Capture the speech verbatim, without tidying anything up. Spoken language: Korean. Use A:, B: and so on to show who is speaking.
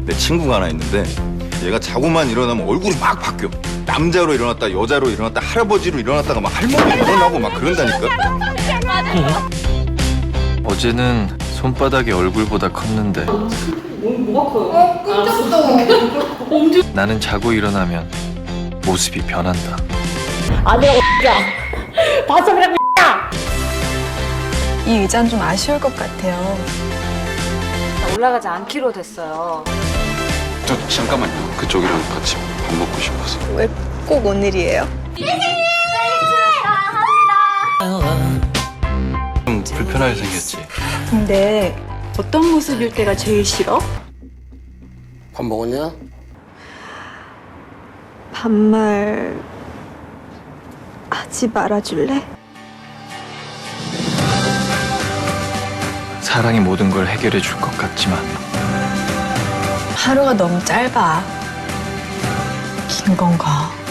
A: 내 친구가 하나 있는데 얘가 자고만 일어나면 얼굴이 막 바뀌어. 남자로 일어났다 여자로 일어났다 할아버지로 일어났다가 막 할머니로 일어나고 막 그런다니까.
B: 어제는 손바닥이 얼굴보다 컸는데
C: 뭐가 커요?
D: 끔찍도.
B: 나는 자고 일어나면 모습이 변한다.
C: 아니라고 야 바sam이라고 야
E: 이 의자는 좀 아쉬울 것 같아요.
F: 올라가지 않기로 됐어요.
G: 저 잠깐만요. 그쪽이랑 같이 밥 먹고 싶어서.
E: 왜 꼭 오늘이에요?
B: 좀 불편하게 생겼지.
H: 근데 어떤 모습일 때가 제일 싫어?
I: 밥 먹었냐?
H: 반말 하지 말아줄래?
B: 사랑이 모든 걸 해결해 줄 것 같지만
E: 하루가 너무 짧아. 긴 건가?